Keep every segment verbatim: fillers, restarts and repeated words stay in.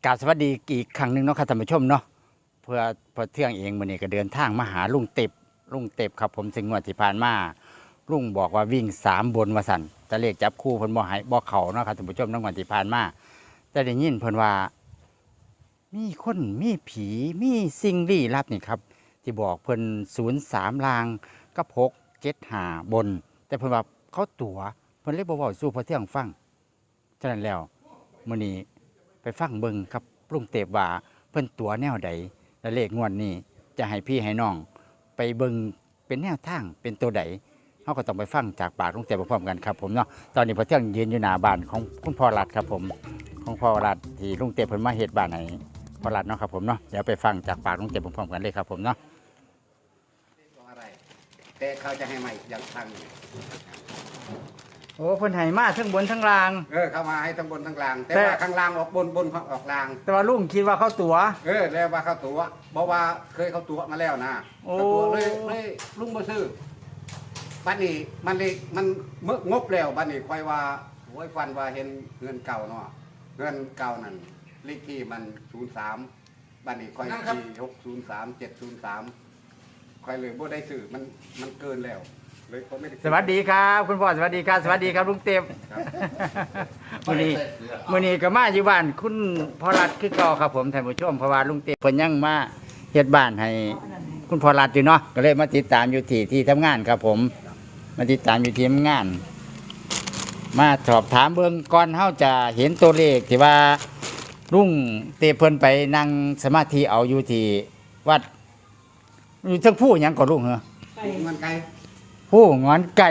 กราบสวัสดีอีกครั้งหนึ่งเนาะครับท่านผู้ชมเนาะเพื่อพอเที่ยงเองมื้อนี้ก็เดินทางมาหาลุงเต็บลุงเต็บครับผมซึ่งงวดที่ผ่านมาลุงบอกว่าวิ่งสามบนว่าสั่นแต่เลขจับคู่เพิ่นบ่ให้บ่เข้าเนาะครับท่านผู้ชมในงวดที่ผ่านมาแต่ได้ยินเพิ่นว่ามีคนมีผีมีสิ่งลี้ลับนี่ครับที่บอกเพิ่นศูนย์สามลางกับหกเจ็ดห้าบน แต่เพิ่นว่าเขาตั๋วเพิ่นเลยบ่เว้าสู่พอเที่ยงฟังฉะนั้นแล้วมื้อนี้ไปฟังเบิ่งครับลุงเต็บว่าเพิ่นตั๋วแนวใดและเลขงวดนี้จะให้พี่ให้น้องไปเบิ่งเป็นแนวทางเป็นตัวใดเฮาก็ต้องไปฟังจากปากลุงเต็บพร้อมๆกันครับผมเนาะตอนนี้พอเที่ยงยืนอยู่หน้าบ้านของคุณพ่อรัฐครับผมของพ่อรัฐที่ลุงเต็บเพิ่นมาเฮ็ดบ้านให้พ่อรัฐเนาะครับผมเนาะเดี๋ยวไปฟังจากปากลุงเต็บพร้อมๆกันเลยครับผมเนาะอะไรแต่เขาจะให้ใหม่อย่างทางหนึ่งโอ้เพิ่นให้มาทั้งบนทั้งล่างเออเข้ามาให้ทั้งบนทั้งล่างแต่ว่าข้างล่างออกบนบนออกล่างแต่ว่าลุงคิดว่าเขาตั๋วเออแล้วว่าเขาตัวบอกว่าเคยเขาตัวมาแล้วนะเขาตัวเลยเลยลุงมาซื้อบ้านนี้มันเลยมันเมื่องบแล้วบ้านนี้ค่อยว่าโอ้ยฟันว่าเห็นเงินเก่าเนาะเงินเก่านั่นเลขที่มันศูนย์สามบ้านนี้ค่อยที่หกศูนย์สามเจ็ดศูนย์สามค่อยเลยบ่ได้ซื้อมันมันเกินแล้วสวัสดีครับคุณพ่อสวัสดีครับสวัสดีครับลุงเต็มมื้อนี้มื้อนี้ก็มาอยู่บ้านคุณพ่อรัฐคือเก่าครับผมท่านผู้ชมเพราะว่าลุงเต็มเพิ่นยังมาเฮ็ดบ้านให้คุณพ่อรัฐอยู่เนาะก็เลยมาติดตามอยู่ที่ที่ทำงานครับผมมาติดตามอยู่ที่ทำงานมาสอบถามเบิ่งก่อนเฮาจะเห็นตัวเลขที่ว่าลุงเต็มเพิ่นไปนั่งสมาธิเอาอยู่ที่วัดอยู่ทั้งผู้หยังก็ลุงเหรอเงินไกลผู้งอนไก่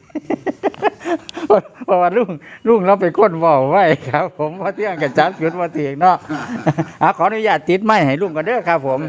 เพราะว่าลุงลุงเราไปค้นเว้าไว้ครับผมพอเที่ยงกับจับจุดมาเถียงเนาะขออนุญาตติดไม้ให้ลุงกันเด้อครับผม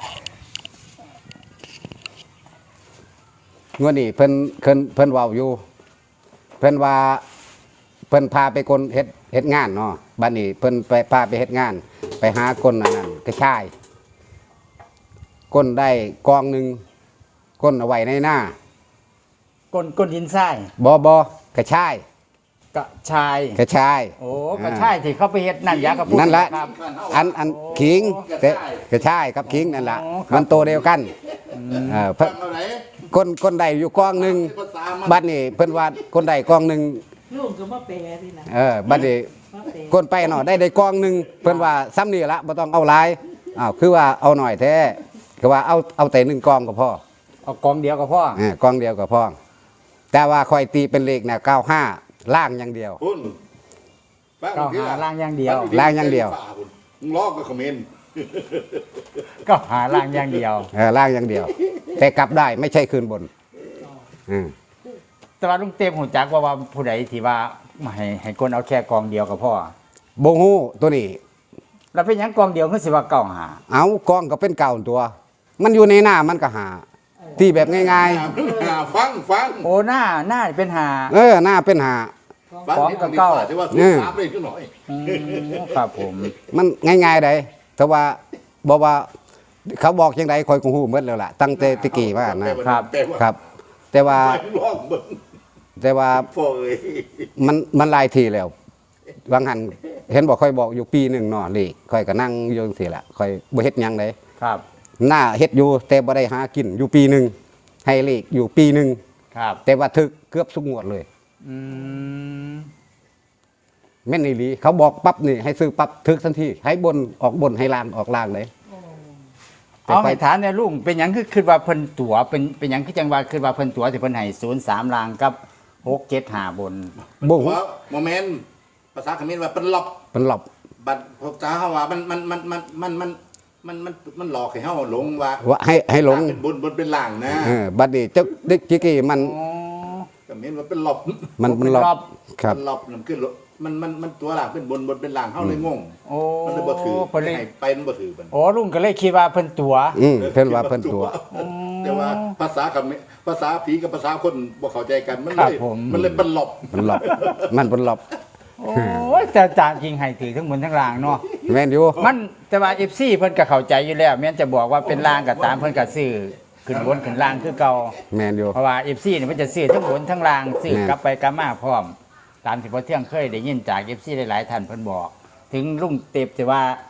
งวดนี้เพิ่นเพิ่นเพิ่นเว้าอยู่เพิ่นว่าเพิ่นพาไปคนเฮ็ดเฮ็ดงานเนาะบัดนี้เพิ่นไปพาไปเฮ็ดงานไปหาคนอันนั้นกระชายก้นได้กองหนึ่งก้นเอาไว้ในหน้าก้นก้นดินทรายบ่บ่กระชายกระชายกระชายโอ้กระชายที่เขาไปเฮ็ดนั่นยากระปุกนั่นแหละอันอันขิงกระชายกับขิงนั่นแหละมันโตเดียวกันเออก้นก้นได้อยู่กองหนึ่งบัดนี้เพิ่นว่าก้นได้กองหนึ่งลูกก็มาแปลนี่นะเออบัดนี้ก้นไปเนาะได้ได้กองหนึ่งเพิ่นว่าซ้ำนี่ละบ่ต้องเอาหลายอ้าวคือว่าเอาหน่อยแท้ก็ว่าเอาเอาแต่หนึ่งกองก็พอเอากองเดียวก็พอเออกองเดียวก็พอแต่ว่าคอยตีเป็นเลขเนี่ยเก้าห้าล่างอย่างเดียวเก้าห้าล่างอย่างเดียวล่างอย่างเดียวลอกก็คอมเมนต์ก็หาล่างอย่างเดียวเออล่างอย่างเดียวแต่กลับได้ไม่ใช่คืนบนอืมแต่ว่าลุงเต็มหูจักว่าว่าผู้ใดที่ว่าให้ให้คนเอาแค่กองเดียวก็พอบ่ฮู้ตัวนี้แล้วเป็นหยังกองเดียวคือสิว่าเก้าหาเอากองก็เป็นเก่าตัว มันอยู่ในหน้ามันก็หาที่แบบง่ายๆฟังฟังโอ้หน้าหน้าเป็นหาเออหน้าเป็นหาฟ้องกับเก้าเนี่ยสามเลยขึ้นหน่อยครับผมมันง่ายๆได้แต่ว่าบอกว่าเขาบอกยังไงคอยกูฮู้หมดแล้วล่ะตั้งแต่ตะกี้มานะครับครับแต่ว่าแต่ว่ามันมันหลายทีแล้วบางหันเห็นบอกค่อยบอกอยู่ปีหนึ่งเนาะนี่ค่อยก็นั่งอยู่จังซี่แหละค่อยบ่เฮ็ดหยังเลยครับหน้าเฮ็ดอยู่แต่บ่ได้หากินอยู่ปีหนึ่งให้เลขอยู่ปีหนึ่งครับแต่ว่าถึกเกือบทุกงวดเลยอืมแม่นอีหลีเขาบอกปั๊บนี่ให้ซื้อปั๊บถึกทันทีให้บนออกบนให้ล่างออกล่างเลยเอาให้ถามเนี่ยลุงเป็นหยังคือคือว่าเพิ่นตั๋วเป็นเป็นหยังคือจังว่าคือว่าเพิ่นตั๋วที่เพิ่นให้ศูนย์สามล่างกับหกเจ็ดห้าบนบ่ฮู้โมเมนต์ภาษาเขมรว่าเป็นหลบเป็นหลบบัดพวกจ้าเฮาว่ามันมันมันมันมันมันมันมันมันหลอกให้เฮาหลงว่าว่าให้ให้หลงเป็นบนบนเป็นล่างนะเออบัดนี้เจ้าเด็กกี้มันก็เห็นว่าเป็นหลบมันเป็นหลบครับหลบมันขึ้นมันมันมันตัวล่างเป็นบนบนเป็นล่างเฮาเลยงงโอ้มันเลยบ่ถือเพิ่นให้ไปมันบ่ถือมันโอ้ลุงก็เลยคิดว่าเพิ่นตั๋วอืมเพิ่นว่าเพิ่นตั๋วแต่ว่าภาษากับภาษาผีกับภาษาคนบ่เข้าใจกันมันเลยมันเลยเป็นหลบเป็นหลบมันเป็นหลบโอ้ยแต่จางจริงให้ถือทั้งบนทั้งล่างเนาะแม่นอยู่มันแต่ว่า เอฟ ซี เพิ่นก็เข้าใจอยู่แล้วแม้นจะบอกว่าเป็นล่างก็ตามเพิ่นก็ซื้อขึ้นบนขึ้นล่างคือเก่าแม่นอยู่เพราะว่า เอฟ ซี นี่มันจะซื้อทั้งบนทั้งล่างซื้อกลับไปกลับมาพร้อมตามที่พอเที่ยงเคยได้ยินจาก เอฟ ซี หลายๆท่านเพิ่นบอกถึงลุงเต็บแต่ว่า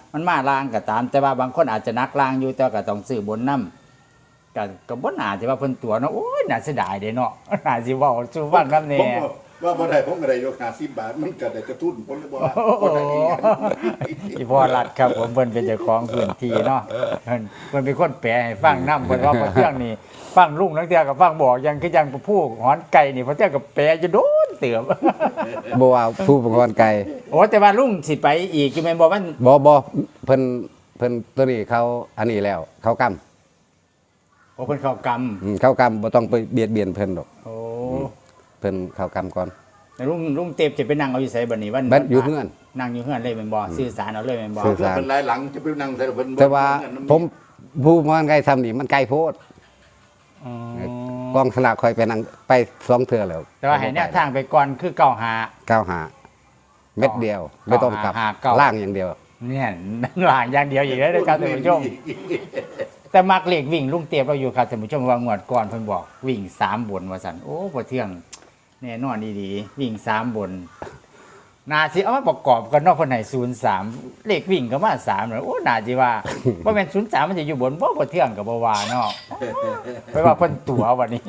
มันมาลางก็ตาม แต่ว่าบางคนอาจจะนักลางอยู่แต่ก็ต้องซื้อบนนำก็ก็บ่น่าสิว่าเพิ่นตัวเนาะโอ้ยน่าเสียดายเด้เนาะน่าสิเว้าสู่ฟังนำแน่ผมว่าบ่ได้ผมก็ได้ยกห้าสิบบาทมันก็ได้กระตุ้นผมเลยบ่ว่าโอ้บ่ได้อีหยังอีพ่อรัดครับผมเพิ่นเป็นเจ้าของพื้นที่เนาะเพิ่นเพิ่นเป็นคนแปลให้ฟังนำเพิ่นว่าพอเที่ยงนี่ฟังลุงนักเที่ยก็ฟังบอกยังคือยังผู้หอนไก่นี่พอเที่ยงก็แปลจะโดนเตือบบ่ว่าผู้ประกอบไก่โอ้แต่ว่าลุงสิไปอีกอยู่แม่นบ่มันบ่บ่เพิ่นเพิ่นตัวนี้เขาอันนี้แล้ว เขากำโอ้เพิ่นเข้ากรรมอืมเขากำบ่ต้องไปเบียดเบียนเพิ่นดอกโอ้เพิ่นเขากำก่อนแล้วลุงลุงเต็บจะไปนั่งเอาอยู่ไสบัดนี้วันบัดอยู่เฮือนนั่งอยู่เฮือนเลยแม่นบ่สื่อสารเอาเลยแม่นบ่สื่อแล้วเป็นหลายหลังจะไปนั่งใส่เพิ่นบ่แต่ว่าเงินน้ำผมผู้ประกอบไก่ทำนี่มันไกลโพดอ๋อกองสลากคอยไปนั่งไปสองเทื่อแล้วแต่ว่าให้แนวทางไปก่อนคือเก้าหาเก้าหาเม็ดเดียว ไม่ต้องกลับหาเก้าล่างอย่างเดียวเนี่ยหลางอย่างเดียวอีกแล้วนะครับท่านผู้ชม แต่มักเลขวิ่งลุงเตียบเราอยู่ครับท่านผู้ชมว่างวดก่อนเพิ่นบอกวิ่งสามบนว่าซั่นโอ้บ่เที่ยงแน่นอนดีๆวิ่งสามบนน่าสิเอามาประกอบกันเนาะเพิ่นให้ศูนย์สามเลขวิ่งก็มาสามเลยโอ้น่าสิว่าบ่แม่นศูนย์สามมันจะอยู่บนบ่บ่เที่ยงก็บ่ว่าเนาะไปว่าเพิ่นตัววันนี้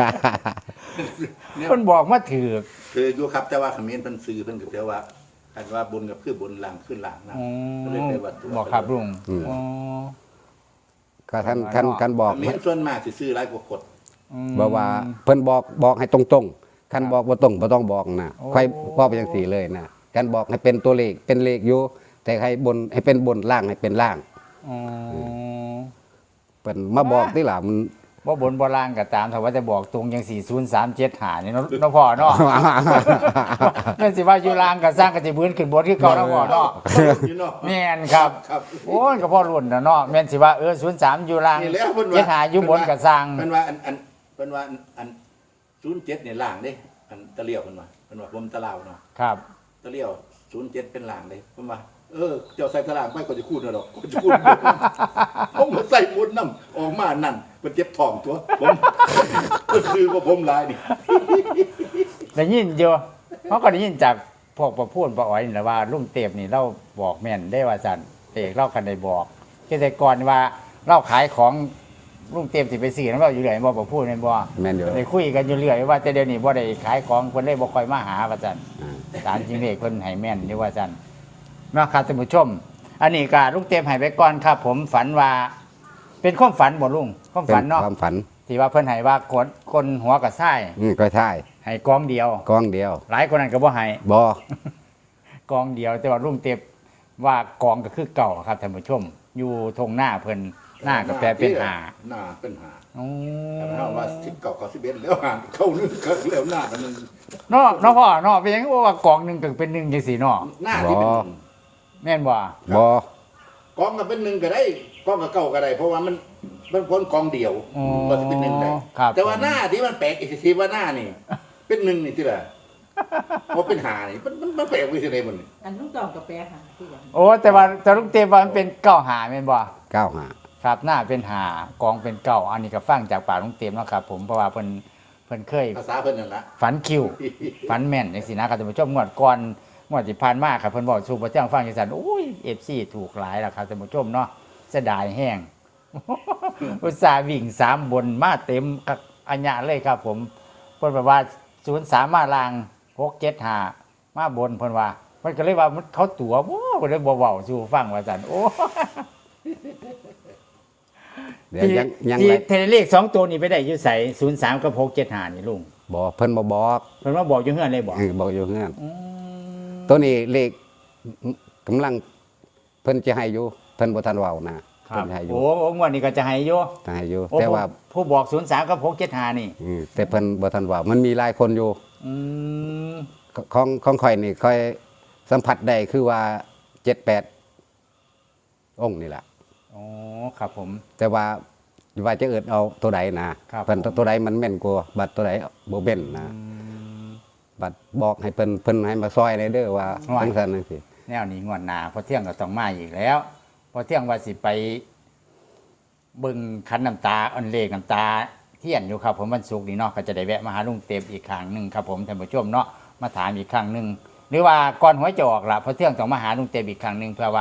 เพิ่นบอกมาถือคืออยู่ครับแต่ว่าเขมรเพิ่นซื้อเพิ่นก็แต่ว่าคันว่าบนกับคือบนหลังขึ้นหลังนะอ๋ก็เลยอได้ว่าตัวบอกครับลุงอืมอ๋อก็ท่านท่านท่านบอกเขมรส่วนมากสิซื้อหลายกว่าคนอืมบอกว่าเพิ่นบอกบอกให้ตรงๆคันบอกบ่ตรงบ่ต้องบอกนะโอ้ค่อยบอกไปจังซี่เลยนะกันบอกให้เป็นตัวเลขเป็นเลขอยู่แต่ให้บนให้เป็นบนล่างให้เป็นล่างอ๋อเพิ่นมาบอกที่ล่ะมันบ่บนบ่ล่างก็ตามถ้าว่าจะบอกตรงจังสี่ ศูนย์ สาม เจ็ด ห้านี่เนาะเนาะพ่อเนาะ นั่นสิว่าอยู่ล่างก็สร้างก็สิบื้นขึ้นบนคือเก่าเนาะพ่อเนาะอยู่เนาะแม่นครับครับโอ้ยก็พ่อรุ่นน่ะเนาะแม่นสิว่าเออศูนย์สามอยู่ล่างนี่แล้วเพิ่นว่าเจ็ดห้าอยู่บนก็สร้างเพิ่นว่าอันอันเพิ่นว่าอันอันศูนย์เจ็ดเนี่ยล่างเด้อันตะเลียวเพิ่นว่าเพิ่นว่าผมตะลาวเนาะครับตะเลียวศูนย์เจ็ดเป็นล่างเด้เพิ่นว่าเออเจ้าใส่ตะลางไปก็จะคูดน่ะดอกก็จะคูดผมมาใส่บนน้ำออกมานั่นมันเจ็บท้องตัวผมก็คือว่าผมหลายนี่ได้ยินอยู่เขาก็ได้ยินจากพวกประพูนประอ๋อยนี่แหละว่าลุงเต็บนี่เราบอกแม่นได้ว่าซั่นเอกเราคันได้บอกเกษตรกรว่าเราขายของลุงเต็มสิไปซื้อนํเราอยู่เรื่อยบ่ประพูนแม่นบ่แม่นอยู่ได้คุยกันอยู่เรื่อยว่าแต่เดี๋ยวนี้บ่ได้ขายของเพิ่นเลยบ่ค่อยมาหาว่าซั่นอ่าตามจริงเลขเพิ่นให้แม่นอยู่ว่าซั่นเนาะครับท่านผู้ชม อันนี้ก็ลุงเต็มให้ไปก่อนครับ ผมฝันว่า เป็นความฝันบ่ลุงความเป็นฝันเนาะความฝันที่ว่าเพิ่นให้ว่าคนคนหัวกับไส้อืมก็ใช่ให้กองเดียวกองเดียวหลายคนนั้นก็บ่ให้บ่กองเดียว แต่ว่าลุงเต็มว่ากองก็คือเก่าครับท่านผู้ชม อยู่ทงหน้าเพิ่นหน้าก็แปลเป็นหาหน้าเป็นหาอ๋อแต่ถ้าว่าสิบเก้าเก้าสิบเอ็ดแล้วหาเข้านึงก็แล้วหน้ากันนึงเนาะเนาะพ่อเนาะเป็นหยังว่ากองหนึงก็เป็นหนึ่งจังซี่เนาะหน้าที่เป็นหนึ่งแม่นบ่บ่กองก็เป็นหนึ่งก็ได้กองก็เก้าก็ได้ เพราะว่ามันมันพ้นกองเดียวอ๋อก็จะเป็นหนึ่งได้ครับแต่ว่าหน้าที่มันแปลกอีกทีว่าหน้านี่ เป็นหนึ่งนี่ที่ละเพราะเป็นหานี่มันมันมันแปลกไปที่ไหนมันนี่อันลูกตองกับแปรหาคือกันโอ้แต่ว่าแต่ลุงเต็มว่ามันเป็นเก้าหาแม่นบ่เก้าหาครับหน้าเป็นหากองเป็นเก่าอันนี้ก็ฟังจากปากลุงเต็มเนาะครับผมเพราะว่าเพิ่นเพิ่นเคยภาษาเพิ่นนั่นละฝันคิว ฝันแม่นจังซี่นะครับท่านผู้ชมงวดก่อนงวดที่ผ่านมาครับเพิ่นบอกสู่บ่แจ้งฟังจังซั่นโอ้ย เอฟ ซี ถูกหลายแล้วครับท่านผู้ชมเนาะเสียดายแห้ง อุตส่าห์วิ่งสามบนมาเต็มกับอัญญะเลยครับ ผมเพิ่นบอกว่าศูนย์สามมาลางหกเจ็ดห้ามาบนเพิ่นว่าเพิ่นก็เลยว่ามันเขาตั๋วบ่เพิ่นเลยบ่เว้าสู่ฟังว่าซั่นโอ้เดี๋ยวยังยังที่ไรเทเลขสองตัวนี้ไปได้อยู่ไสศูนย์สามกับหกเจ็ดห้านี่ลุงบ่เพิ่นบ่บอกเพิ่นมาบอกอยู่เฮือนเลยบอกเออบอกอยู่เฮือนอืมตัวนี้เลขกำลังเพิ่นจะให้อยู่เพิ่นบ่ทันเว้านะครัเพิ่บนให้อยู่โอ้โอ้งวดนี้ก็จะให้อยู่จะให้อยู่โอ้แต่ว่าผู้ผู้บอกศูนย์สามกับหกเจ็ดห้านี่อืมแต่เพิ่นบ่ทันเว้ามันมีหลายคนอยู่อืมของของข่อยนี่ค่อยสัมผัสได้คือว่าเจ็ดแปดองค์นี่ล่ะอ๋อครับผมแต่ว่าว่าจะเอิดเอาตัวใดนะครับ เพิ่นตัวใดมันแม่นกว่าบัดตัวใดบ่แม่นนะอืมบัดบอกให้เพิ่นเพิ่นให้มาซอยในเด้อว่าว่าจังซั่นจังซี่แนวนี้งวดหน้าพอเที่ยงก็ต้องมาอีกแล้วพอเที่ยงว่าสิไปเบิ่งคันน้ำตาอันเลขน้ำตาเทียนอยู่ครับ ผมวันศุกร์นี้เนาะก็จะได้แวะมาหาลุงเต็มอีกครั้งหนึงครับผมท่านผู้ชมเนาะมาถามอีกครั้งหนึงหรือว่าก่อนหวยจะออกล่ะพอเที่ยงต้องมาหาลุงเต็มอีกครั้งหนึงเพื่อว่า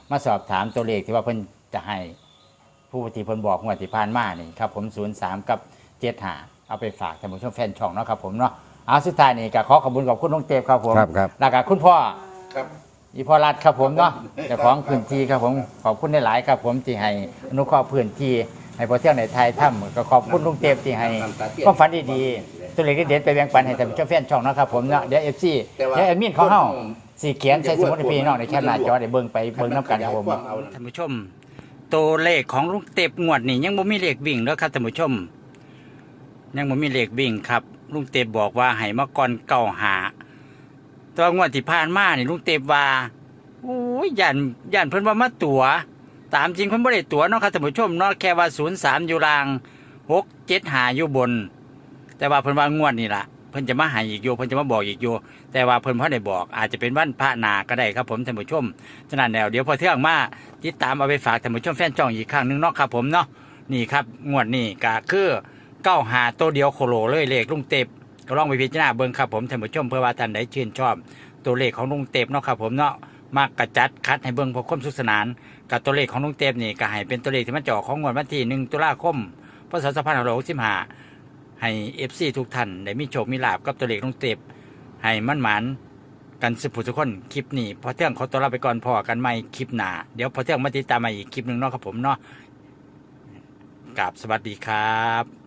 มาสอบถามตัวเลขที่ว่าเพิ่นจะให้ผู้ที่เพิ่นบอกงวดที่ผ่านมานี่ครับผมศูนย์สามกับเจ็ดห้าเอาไปฝากท่านผู้ชมแฟนช่องเนาะครับผมเนาะเอาสุดท้ายนี่ก็ขอขอบคุณขอบคุณน้องเตฟครับผมครับครับแล้วก็คุณพ่อครับอีพ่อรัฐครับผมเนาะเจ้าของพื้นที่ครับผมขอบคุณหลายๆครับผมที่ให้อนุเคราะห์พื้นที่ให้พอเที่ยงในไทยถ้ำก็ขอบคุณลุงเตฟที่ให้ความฝันดีๆตัวเลขเด็ดๆไปแบ่งปันให้ท่านผู้ชมแฟนช่องเนาะครับผมเนาะเดี๋ยวเอฟซีเดี๋ยวแอดมินของเฮาสีเขียนใส่สมุดให้พี่น้องในแคปหน้าจอได้เบิ่งไปเบิ่งน้ำกันครับผมท่านผู้ชมตัวเลขของลุงเตฟงวดนี่ยังบ่มีเลขวิ่งเด้อครับท่านผู้ชมยังบ่มีเลขวิ่งครับลุงเตฟบอกว่าให้มาก่อนเก้าหาตัวงวดที่ผ่านมานี่ลุงเตฟว่าโอ้ยย่านย่านเพิ่นว่ามาตั๋วตามจริงเพิ่นบ่ได้ตั๋วเนาะครับท่านผู้ชมเนาะแค่ว่าศูนย์สามอยู่ล่างหกเจ็ดห้าอยู่บนแต่ว่าเพิ่นว่างวดนี่ล่ะเพิ่นจะมาให้อีกอยู่เพิ่นจะมาบอกอีกอยู่แต่ว่าเพิ่นบ่ได้บอกอาจจะเป็นวันพระนาก็ได้ครับผมท่านผู้ชมฉะนั้นแล้วเดี๋ยวพอเที่ยงมาติดตามเอาไปฝากท่านผู้ชมแฟนช่องอีกครั้งหนึงเนาะครับผมเนาะนี่ครับงวดนี้ก็คือเก้าห้าตัวเดียวโคโลเลยเลขลุงเตฟก็ลองไปพิจารณาเบิ่งครับผมท่านผู้ชมเพื่อว่าท่านใดชื่นชอบตัวเลขของลุงเตฟเนาะครับผมเนาะมากกระจัดคัดให้เบิ่งเพื่อความสุขสนานกับตัวเลขของลุงเตฟนี่ก็ให้เป็นตัวเลขที่มันจะออกของงวดวันที่หนึ่งตุลาคมพศสองพันห้าร้อยหกสิบห้าให้เอฟซีทุกท่านได้มีโชคมีลาภกับตัวเลขลุงเตฟให้มั่นหมานกันสุขทุกคนคลิปนี้พอเที่ยงขอตัวลาไปก่อนพอกันใหม่คลิปหน้าเดี๋ยวพอเที่ยงมาติดตามมาอีกคลิปหนึ่งเนาะครับผมเนาะกราบสวัสดีครับ